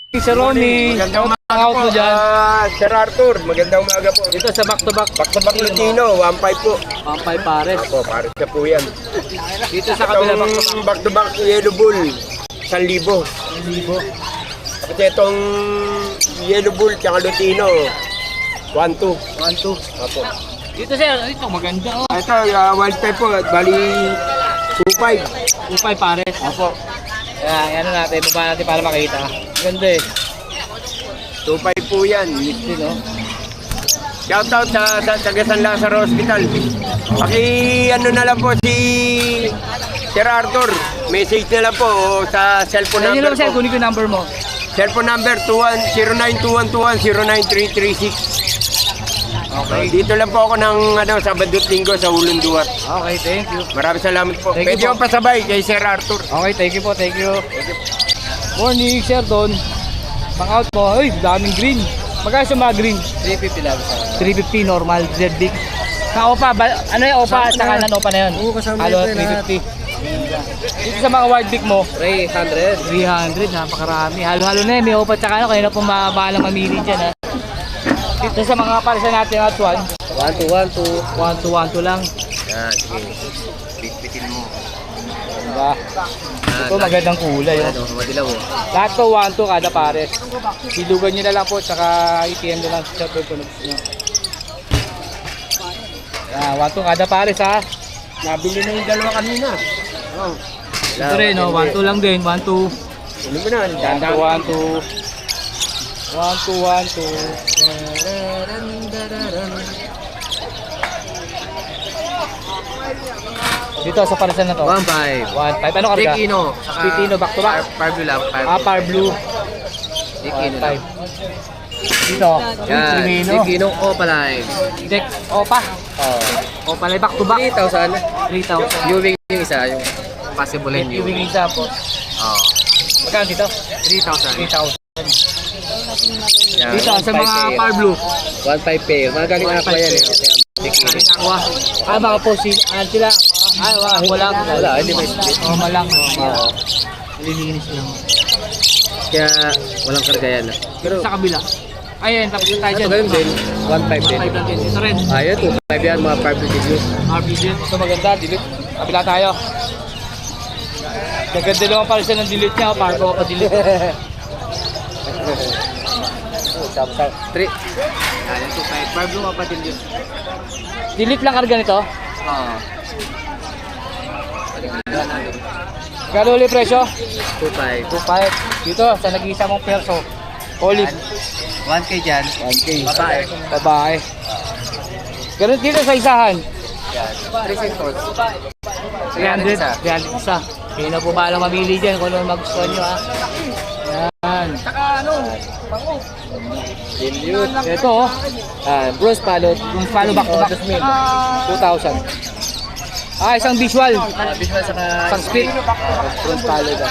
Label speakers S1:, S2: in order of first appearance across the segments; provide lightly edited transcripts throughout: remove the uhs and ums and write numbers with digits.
S1: Sir Ronnie,
S2: Magandang umaga
S1: out
S2: po.
S1: mo dyan.
S2: Sir Arthur, magandang umaga po.
S1: Dito sa back-to-back.
S2: Back-to-back Lutino, 1.5 po.
S1: Pampay pares.
S2: Ako, pares na po yan.
S1: Dito sa kabila
S2: Itong back-to-back Yellow Bull, 1,000.
S1: 1,000.
S2: At itong Yellow Bull tsaka Lutino, 1.2.
S1: 1,2.
S2: Apo.
S1: Dito sir, ito maganda oh.
S2: Ito, wild type po, bali 2.5.
S1: 2,500 pares.
S2: Apo.
S1: Yan, ano natin, baba natin para makita. Ganda eh.
S2: 2.5 po yan.
S1: Dito no.
S2: Shoutout sa taga San Lazaro Hospital. Ano na lang po si Sir Arthur. Message na lang po sa cellphone
S1: Ano
S2: number
S1: lang sir,
S2: po.
S1: kunin ko yung number mo.
S2: Cellphone number 092121099336.
S1: Okay.
S2: Dito lang po ako ng Sabado at Linggo sa Ulunduat.
S1: Okay, thank you.
S2: Maraming salamat po.
S1: Thank you
S2: Pwede
S1: po.
S2: ko pasabay kay Sir Arthur.
S1: Okay, thank you po, thank you. Morning, Sir Don. Pang out mo. Uy, daming green. Magkano sa mga green?
S2: 350 lang sa
S1: 350 normal, Z big. Sa OPA, ano yung OPA at saka non-OPA na yun?
S2: Oo, kasama
S1: Halo,
S2: ito,
S1: 350. Dito sa mga wild big mo,
S2: 300.
S1: 300, napakarami. Halo-halo na yun, may OPA at saka ano, kanina po mabalang mamili dyan ha. Dito sa mga parisan natin at 1, 1-2 lang.
S2: Yan, sige. Bitbitin mo.
S1: Diba? Ito magandang kulay. Oh.
S2: Madilaw mo.
S1: Lahat to 1-2 kada pares. Silugan nyo na lang po, tsaka itiyan nyo lang sa tunog nyo. Yan, 1-2 kada pares ha.
S2: Nabili na yung dalawa kanina. Oh.
S1: Ito rin, no? 1-2 lang din, 1-2.
S2: Ano mo na?
S1: 1-2. 1-2. Dito sa parisan na to.
S2: 1.5.
S1: 1-5. Ano karga?
S2: Tikino.
S1: Tikino, back to back.
S2: Parblu lang.
S1: Par blue.
S2: Tikino lang.
S1: 1-5. Dito.
S2: Yan.
S1: Tikino.
S2: Tikino Opaline.
S1: Deck. Opa.
S2: Oh.
S1: Opa lang back to back.
S2: 3,000.
S1: 3,000.
S2: Viewing yung isa. Yung possible yung
S1: Yung
S2: viewing.
S1: isa po.
S2: Oh.
S1: Magkano dito?
S2: 3,000.
S1: 3,000.
S2: Yan.
S1: Dito sa mga
S2: 1.5
S1: par blue.
S2: 1.5 pair. Magaling na ako yan eh. Tikino.
S1: Aqua. Baka po sila. Walang.
S2: Wala, hindi may split.
S1: Malang.
S2: Oo.
S1: Lilinis lang.
S2: Kaya walang karga yan.
S1: Pero sa kabila. Ayun, tapos yung tayo
S2: Ito
S1: dyan.
S2: ganun din. 1.5 din.
S1: 5 lang din. Ito rin.
S2: Ayun, 2.5 yan mga Parblu Reviews.
S1: RPG. Ito maganda. Delete. Kabila tayo. Maganda naman pala siya ng delete niya. Para ko pa delete.
S2: Samsung 3. Ayan, 2.5. Parblu nga pa din yun.
S1: Delete lang karga nito.
S2: Oo.
S1: Gano'n ulit presyo?
S2: 2.5.
S1: 2.5. Dito, sa nag-iisa mong perso. Olive.
S2: 1K dyan.
S1: 1K.
S2: Babae.
S1: Babae. Ganun dito sa isahan.
S2: Yan. 3 sectors.
S1: 300. 300 isa. Kaya na po ba lang mamili dyan kung ano magustuhan nyo ha. Yan.
S2: Dilute.
S1: Ito oh.
S2: Bruce Palot.
S1: Yung follow back to back. 2,000. Isang visual.
S2: Visual saka
S1: Isang split.
S2: Bruce Palot.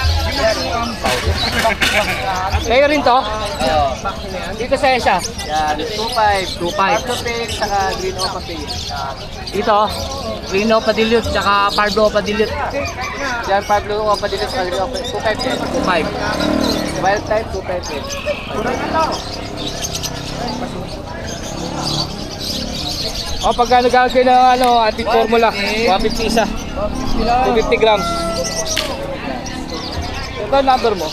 S1: Kayo rin to? Dito sa Esya.
S2: Yan. 2.5.
S1: 2.5.
S2: Parblu Pink saka Green Opa Pink.
S1: Dito, Reno Padilute, tsaka Pardo Padilute.
S2: Yan, Parblu Opa Pink saka Green Opa Pink. 2.5 din.
S1: 2.5.
S2: Wild type, 2.5 din.
S1: O, pagka nagkakaroon kayo ng antique formula, 150 isa. 250 grams. Ito ang number mo.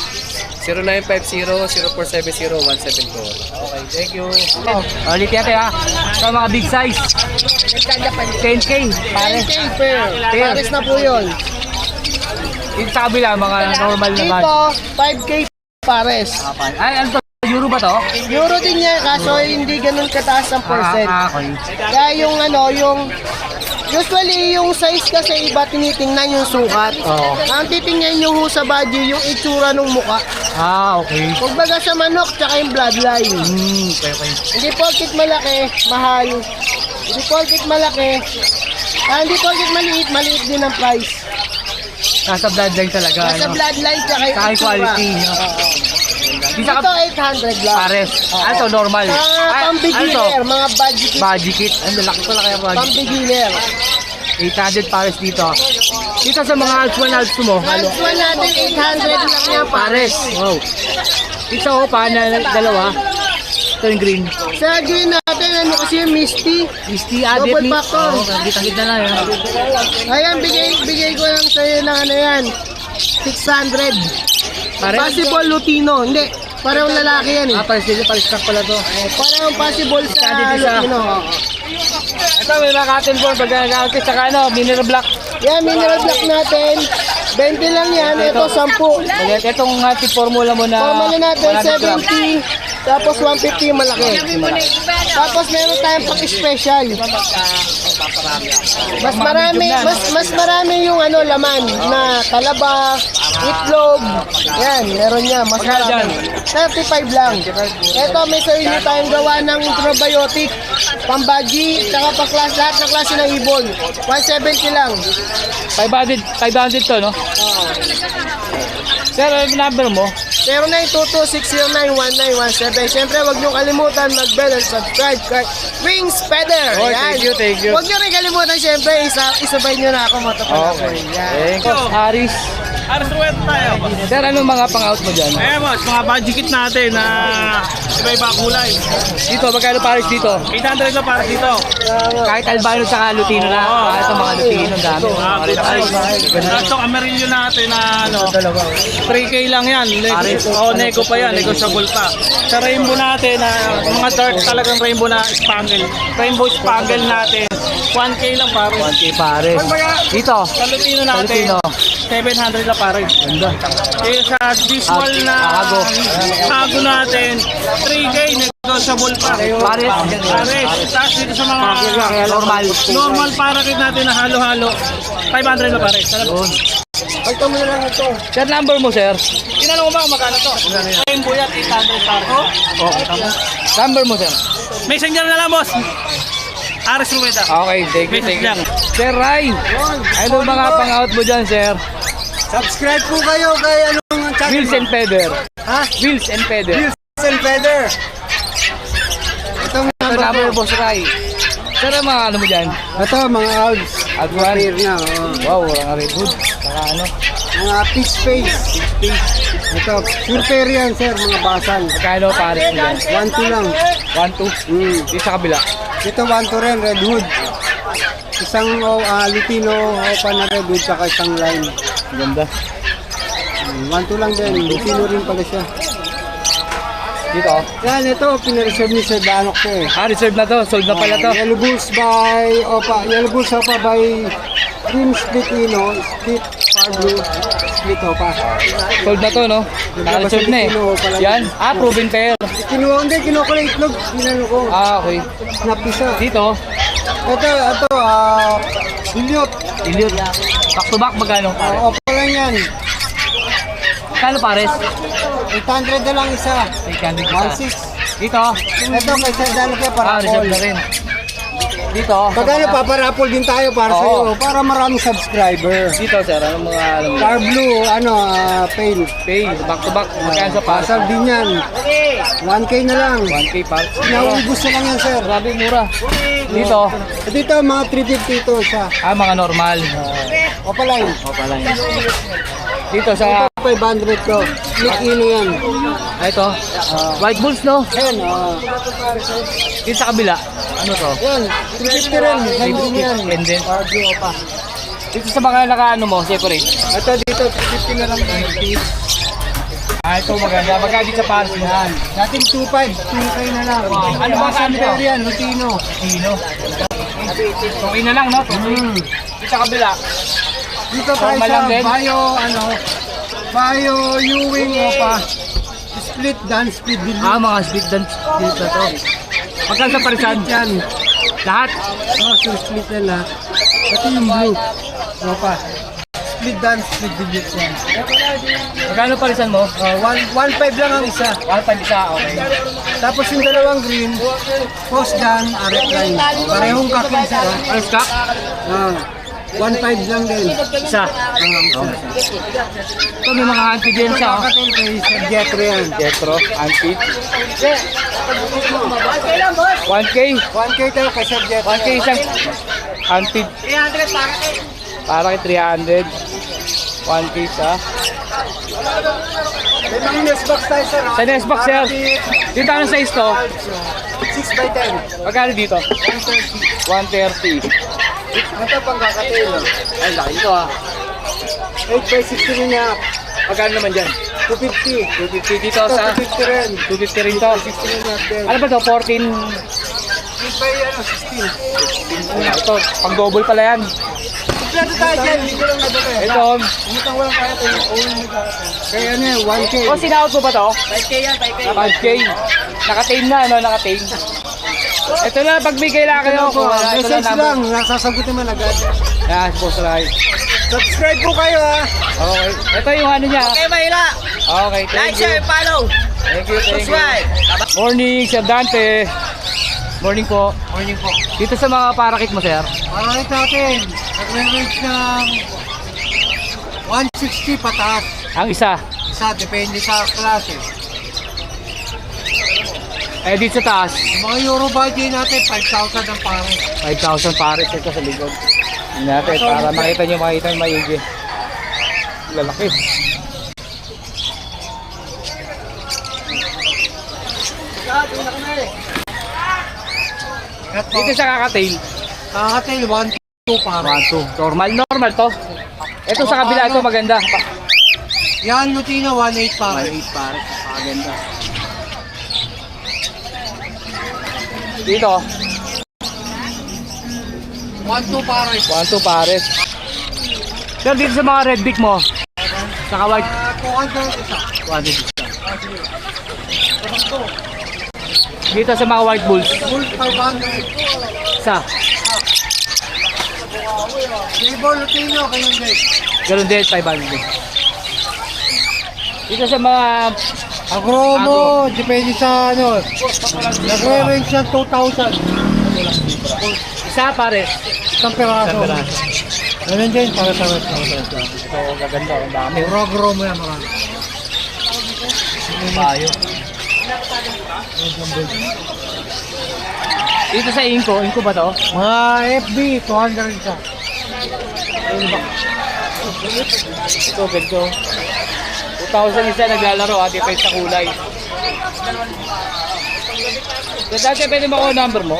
S2: 0950-0470-174.
S1: Okay, thank you. Ulit natin ha. Ito mga big size. 10K. Pares.
S3: 10K pair.
S1: Pair.
S3: Pares na po yun.
S1: Dito sa kabila, mga normal naman.
S3: Dito, 5K pares.
S1: Ay, ano to? Euro ba to?
S3: Euro din yan, kaso hindi ganun kataas ang percent.
S1: Okay.
S3: Kaya yung usually yung size kasi iba tinitingnan yung sukat.
S1: Oo.
S3: Ang titingnan yung sa body, yung itsura ng muka.
S1: Okay.
S3: Kumbaga sa manok, tsaka yung bloodline.
S1: Okay.
S3: Hindi porkit malaki, mahal. Hindi porkit malaki. Hindi porkit maliit, maliit din ang price.
S1: Nasa bloodline talaga.
S3: Nasa
S1: ano?
S3: bloodline, tsaka yung
S1: Saka yung
S3: itsura.
S1: quality. No? Di sa
S3: Dito 800 lang.
S1: pares. Ano to, normal?
S3: Pang-beginner, mga budget kit.
S1: Budget kit. Ang laki pala kaya budget.
S3: Pang-beginner.
S1: 800 pares dito. Dito sa mga Alps 1 Alps mo. Halo.
S3: Alps 1 natin, 800 lang yan
S1: Pares. Wow. Isa o pa na dalawa. Ito yung green.
S3: Sa green natin, ano kasi yung Misty.
S1: Misty
S3: Double
S1: Adit.
S3: factor.
S1: Kita-kita na yun.
S3: Ayan, bigay ko lang sa'yo ng ano yan. 600.
S1: Pare?
S3: Possible Lutino. Hindi, parehong lalaki yan eh.
S1: Pares stock pala to.
S3: Parehong possible sa
S1: Isa, isa.
S3: Lutino.
S1: Ito may mga cotton ball. Pag nag-outis, saka ano, mineral black.
S3: Yan, mineral black natin. 20 lang yan. Ito, 10.
S1: Itong ating formula mo na
S3: Formula natin,
S1: 100 gram.
S3: 70. Tapos 150 yung malaki. Tapos meron tayong pang-special. Mas marami yung ano laman na talaba, itlog. Yan, meron niya. Mas
S1: Magkano dyan?
S3: marami. 35 lang. Ito, may sarili tayong gawa ng probiotic, pambaji, saka lahat ng klase ng ibon. 170 lang.
S1: 500 to, no? Sir, ano yung number mo?
S3: 0922-609-1917. Siyempre, huwag niyong kalimutan mag-bell and subscribe kay Wings Feather.
S1: Oh,
S3: Yan.
S1: thank you.
S3: Huwag niyo rin kalimutan, siyempre, isabay niyo na ako matapos. Yan.
S1: Thank you. Aris.
S4: Aras Ruwet tayo.
S1: Sir, anong mga pang-out mo dyan?
S4: Eh boss, mga budget kit natin na iba-iba kulay.
S1: Dito, magkano pares dito?
S4: 800 na para dito.
S1: Kahit albino tsaka lutino na. Ito mga lutino, ang dami. Mga red eyes.
S4: Tapos itong Amarillo natin na ano, 3K lang yan. Nego pa yan, negotiable pa. Sa rainbow natin na mga dark talagang rainbow na spangle. Rainbow spangle natin, 1K lang pare.
S1: 1K pares. Dito,
S4: Sa Lutino natin,
S1: Lutino.
S4: 700 na pare.
S1: ganda.
S4: Eh sa visual na
S1: Hago.
S4: hago natin, 3K negotiable pa.
S1: Pares.
S4: Pares. Tapos dito sa mga
S1: Normal.
S4: normal parakit natin na halo-halo, 500 na pares.
S1: Yun.
S3: Pagka mo na lang ito.
S1: Sir, number mo, sir?
S4: Tinanong ko ba kung magkano to? Rainbow yan, 800 pares.
S1: Number mo, sir?
S4: Messenger na lang, boss. Aris Rueda.
S1: Okay, thank you, thank you.
S4: Lang.
S1: Sir Ray, ano mga pang-out mo dyan, sir?
S3: Subscribe po kayo kay anong channel.
S1: Wheels and Feather.
S3: Ha?
S1: Wheels and Feather.
S3: Wheels and Feather. Itong
S1: Ito number, boss Ray. Sir, ang mga ano mo dyan?
S3: Ito, mga Alps.
S1: Advan.
S3: na.
S1: Wow, walang redwood. Saka ano?
S3: Mga peach face. Ito, pure pair yan, sir. Mga basal.
S1: Magkano pares mo dyan?
S3: 1-2 lang.
S1: 1, 2. Di sa kabila.
S3: Ito, 1-2 rin, redwood. Isang Lutino, opa na redwood, saka isang line.
S1: Ganda.
S3: 1-2 lang din. Lutino rin pala siya.
S1: Dito.
S3: Yan, ito, pinareserve ni Sir Danok ko eh.
S1: Reserve na to. Sold na pala to.
S3: Yellow Bulls by Cream Split Ino, Split Far Blue, Split Opa.
S1: Sold na to, no? Naka-reserve na eh. Yan. Proven pair.
S3: Kinuha ko na itlog, ginano ko.
S1: Okay.
S3: Napisa.
S1: Dito.
S3: Ito, Dilute.
S1: Dilute. Back to back, magkano?
S3: Opa lang yan.
S1: Magkano pares?
S3: 800 na lang isa.
S1: 800 isa.
S3: 1.6.
S1: Dito.
S3: Ito, kay Sir Danok kaya para
S1: Reserve na rin. Dito.
S3: Pagkano, paparapol din tayo para sa'yo, para maraming subscriber.
S1: Dito, sir. Anong mga alam mo?
S3: Far Blue, pale.
S1: Pay. Back to back. Magkano sa pares?
S3: Pasal din yan. 1K na lang.
S1: 1K pares.
S3: Nauubos na lang yan, sir.
S1: Grabe, mura. Dito.
S3: Dito, mga 350 ito siya.
S1: Mga normal.
S3: Opaline.
S1: Pala yun. Dito sa...
S3: 500 ko. Split Ino yan.
S1: Ito. White Bulls, no?
S3: Ayan,
S1: Dito sa kabila. Ano to?
S3: yan. 350 rin. Nandun yan.
S1: Pendant.
S3: Cardio pa.
S1: Dito sa mga naka-ano mo, separate.
S3: Ito dito, 350 na lang.
S1: Ito maganda. Magkano dito sa pares mo?
S3: Yan. Dating 2.5, 2K na lang.
S1: Ano ba
S3: Pasal
S1: kanto?
S3: pair yan, Lutino.
S1: Sino? Okay na lang, no? Dito sa kabila.
S3: Dito
S1: Formal
S3: tayo
S1: lang
S3: sa
S1: din?
S3: Bio Ewing Opa. Split dance speed din.
S1: Mga speed dance dito to. Magkano sa parisan?
S3: Yan.
S1: Lahat?
S3: Split na lahat. Ito yung blue. Opa. Split dance speed din yan.
S1: Magkano parisan mo?
S3: 1.5 lang ang isa.
S1: 1.5 isa, okay.
S3: Tapos yung dalawang green, post gun, aret line. Parehong kakin sa
S1: Pares ka?
S3: 1.5 lang din.
S1: Isa. Ito may mga handpid din siya, oh.
S3: Kakatil kay Sir Jetro yan.
S1: Jetro, handpid. 1K?
S3: 1K tayo kay Sir Jetro.
S1: 1K isang handpid.
S3: 300 para kay.
S1: Para kay 300. 1K sa.
S3: May mga nest box tayo, sir.
S1: Sa nest box, sir. Dito anong size to?
S3: 6x10.
S1: Magkano dito? 130.
S3: Ito pang kakatail.
S1: Ay, laki ito ah.
S3: 8x16 niya.
S1: Magkano naman dyan?
S3: 250.
S1: 250 dito
S3: Ito,
S1: sa...
S3: 250 rin.
S1: 250 rin to.
S3: 16 niya.
S1: Ano ba to? 14?
S3: 16.
S1: Ito, pang double pala yan.
S3: Kompleto tayo dyan. Hindi ko lang nadala eh.
S1: Ito.
S3: Umutang walang kaya tayo. Kaya ano yan, 1K.
S1: Oh, sinahod mo ba to?
S3: 5K yan, 5K.
S1: 5K. Naka-tame na, ano? Naka-tame. Ito na, pag may kailangan kayo.
S3: Message lang, nasasagutin man agad.
S1: Yan, boss Rai.
S3: Subscribe po kayo ha.
S1: Okay. Ito yung ano niya.
S3: Okay, Mahila.
S1: Okay, thank you.
S3: follow.
S1: Thank you, thank you. Morning, Sir Dante. Morning po.
S3: Morning po.
S1: Dito sa mga parakit mo, sir.
S3: Maraming natin, nagre-range ng 160 pataas.
S1: Ang isa.
S3: Isa, depende sa klase.
S1: Eh, dito sa taas.
S3: Yung mga Euro budget natin, 5,000 ang pare.
S1: 5,000 pares ito sa likod. Tingnan natin, para makita nyo maigi. Lalaki. Dito sa kakatail.
S3: Kakatail, 1,2 pare.
S1: 1, 2. Normal to. Ito sa kabila, ito maganda.
S3: Yan, Lutino, 1,8 pare.
S1: 1.8 pares. Maganda. Dito,
S3: 1,2 pare.
S1: 1, 2 pares. Sir, dito sa mga red beak mo. Saka white.
S3: 200 isa.
S1: 1, 2. Dito sa mga white bulls.
S3: Full 500.
S1: Isa.
S3: Labor Lutino, kayong guys.
S1: Ganun din, 500. Dito sa mga
S3: Agromo, depende sa ano. Nagre-range ng 2,000.
S1: isa pares.
S3: Isang peraso. Ganun din, para sa rest.
S1: Ito, gaganda. Ang dami.
S3: Agromo yan, marami.
S1: Tayo. Dito sa Inko ba to?
S3: Mga FB, 200 isa.
S1: Ito, ganito. 2,000 isa naglalaro ha, depende sa kulay. So, dati pwede mo ako number mo?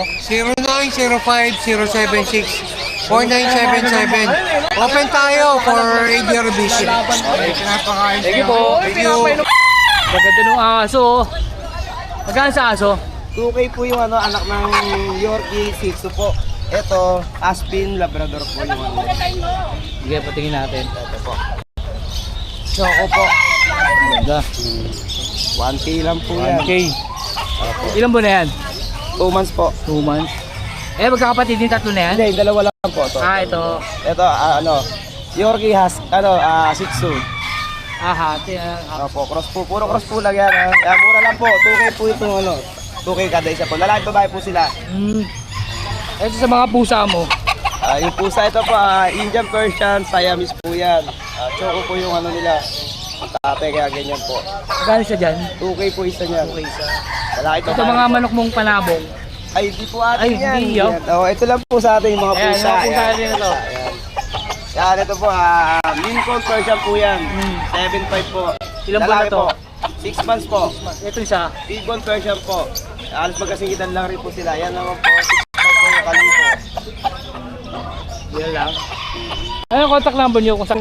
S3: 0905-076-4977. Open tayo for ADR visit.
S1: Thank you po.
S3: Thank you.
S1: Maganda nung aso. Magkano sa aso?
S5: 2K po yung ano, anak ng Yorkie, Shih Tzu po. Ito, Aspin, Labrador po yung ano.
S1: Sige, patingin natin. Ito po.
S5: Choco po.
S1: Maganda.
S5: 1K lang po yan.
S1: 1K. Ilan buwan na yan?
S5: 2 months po.
S1: 2 months. Eh, magkakapatid din tatlo na yan?
S5: Hindi, dalawa lang po to.
S1: Ito.
S5: Ito, ano, Yorkie has, ano, Shih Tzu.
S1: Hati.
S5: Opo, cross po. Puro cross po lang yan. Kaya mura lang po. 2K po ito, ano. 2K kada isa po. Lalaki babae po sila.
S1: Ito sa mga pusa mo.
S5: Yung pusa ito po, Indian Persian, Siamese po yan. Choco po yung ano nila. Tate, kaya ganyan po.
S1: Magkano siya dyan?
S5: 2K po isa niyan.
S1: Okay, isa.
S5: Lalaki
S1: Ito
S5: babae.
S1: mga manok mong panabong.
S5: Ay, di po atin
S1: Ay,
S5: yan.
S1: hindi, oh.
S5: Yan. Oh, ito lang po sa atin yung mga
S1: Ayan,
S5: pusa.
S1: mga pusa
S5: Ayan.
S1: din ito.
S5: Ayan. Yan, ito po, Lincoln Persian po yan. 7.5 po.
S1: Ilan buwan na
S5: Lalaki
S1: to?
S5: po. 6 months po.
S1: Ito isa.
S5: Lincoln Persian po. Alas magkasingitan lang rin po sila. Yan naman po, 6.5 po yung kaling po.
S1: Yan lang. Ano yung contact number nyo kung saan?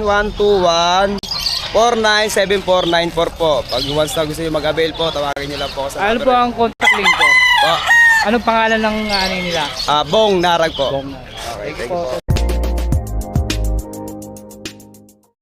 S5: 121-497494 po. Pag once na gusto nyo mag-avail po, tawagin nyo lang po ako sa
S1: Ano
S5: number.
S1: po ang contact link ko?
S5: Po.
S1: Anong pangalan ng ano nila?
S5: Bong Narag po.
S1: Bong.
S5: Okay,
S1: Thank you
S5: thank you
S1: po.
S5: po.